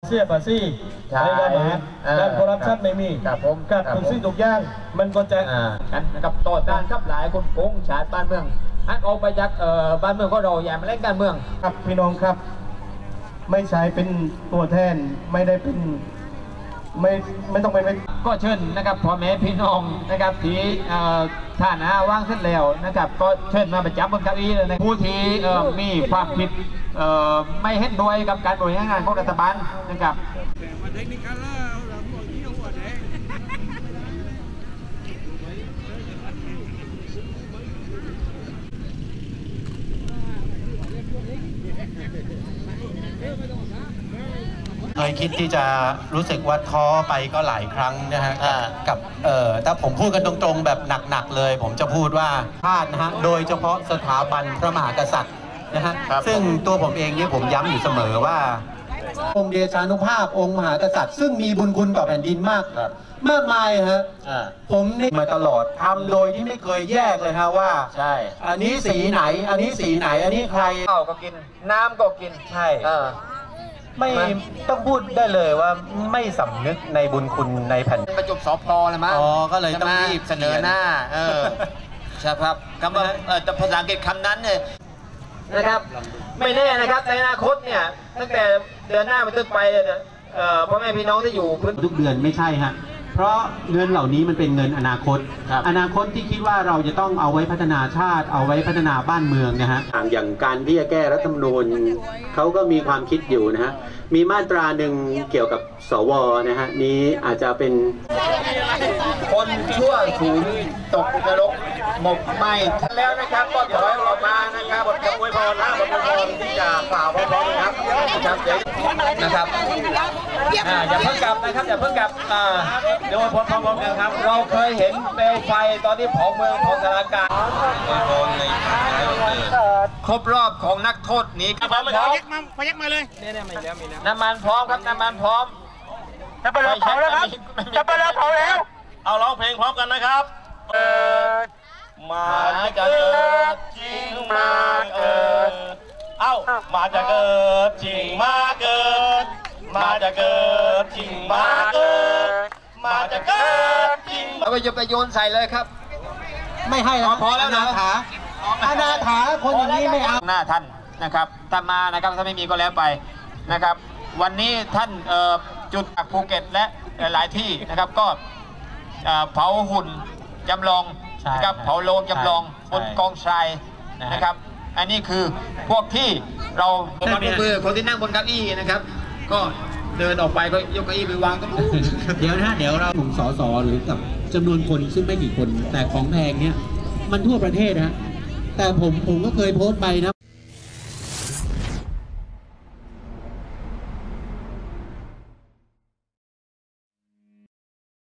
เสียภาษีในระบบการคอร์รัปชันไม่มีกับทุกสิ่งทุกอย่างมันก็จะกันนะครับต่อต้านกับหลายคนโกงชาติบ้านเมืองอันออกไปจากบ้านเมืองก็เราอย่ามาเล่นการเมืองครับพี่น้องครับไม่ใช้เป็นตัวแทนไม่ได้เป็นไม่ต้องเป็นก็เชิญนะครับพ่อแม่พี่น้องนะครับที่ท่านว่างเสร็จแล้วนะครับก็เชิญมาประจำบนเก้าอี้เลยนะผู้ที่มีความผิดไม่เห็นด้วยกับการบริหารงานของรัฐบาลนะครับเคยคิดที่จะรู้สึกว่าท้อไปก็หลายครั้งนะฮะกับถ้าผมพูดกันตรงๆแบบหนักๆเลยผมจะพูดว่าชาตินะฮะโดยเฉพาะสถาบันพระมหากษัตริย์นะฮะซึ่งตัวผมเองเนี่ยผมย้ำอยู่เสมอว่าองค์เดชานุภาพองค์มหากษัตริย์ซึ่งมีบุญคุณต่อแผ่นดินมากมายฮะผมนี่มาตลอดทำโดยที่ไม่เคยแยกเลยฮะว่าใช่อันนี้สีไหนอันนี้สีไหนอันนี้ใครข้าวก็กินน้ำก็กินใช่ไม่ต้องพูดได้เลยว่าไม่สำนึกในบุญคุณในแผ่นประจุสพเลยมั้งก็เลยต้องรีบเสนอหน้าใช่ครับคำว่าภาษาอังกฤษคำนั้นเนี่ยนะครับไม่แน่นะครับในอนาคตเนี่ยตั้งแต่เดือนหน้าเป็นต้นไปพ่อแม่พี่น้องที่อยู่ทุกเดือนไม่ใช่ฮะเพราะเงินเหล่านี้มันเป็นเงินอนาคตอนาคตที่คิดว่าเราจะต้องเอาไว้พัฒนาชาติเอาไว้พัฒนาบ้านเมืองนะฮะอย่างการที่จะแก้รัฐธรรมนูญเขาก็มีความคิดอยู่นะฮะมีมาตราหนึ่งเกี่ยวกับสวนะฮะนี้อาจจะเป็นคนชั่วสูญตกนรกหมกไหมแล้วนะครับก็ถอยออกมานะครับบทคำอวยพรนะบทอวยพรที่จะกล่าวพร้อมๆนะครับนะครับอย่าเพิ่งกลับนะครับอย่าเพิ่งกลับเดี๋ยวพร้อมๆกันครับเราเคยเห็นเปลวไฟตอนที่เผาเมืองของสารการครบรอบของนักโทษหนีครับพยักมาเลยเนี่ยมีแล้วน้ำมันพร้อมครับน้ำมันพร้อมจะไปเผาแล้วครับจะไปเผาแล้วเอาร้องเพลงพร้อมกันนะครับมาจะเกิดจริงมาเกิดมาจะเกิดจริงมาเกิดมาจะเกิดจริงมาเกิดมาจะเกิดจริงเอาไปโยนใส่เลยครับไม่ให้แล้วพอแล้วนะอนาถาคนอย่างนี้ไม่เอาหน้าท่านนะครับถ้ามานะครับถ้าไม่มีก็แล้วไปนะครับวันนี้ท่านจุดภูเก็ตและหลายที่นะครับก็เผาหุ่นจำลองนะครับเผาโลงจำลองบนกองทรายนะครับอันนี้คือพวกที่เราคนที่นั่งบนเก้าอี้นะครับก็เดินออกไปก็ยกเก้าอี้ไปวางก็เดี๋ยวเราถุงสสหรือกับจำนวนคนซึ่งไม่กี่คนแต่ของแพงเนี่ยมันทั่วประเทศนะแต่ผมก็เคยโพสต์ไปนะ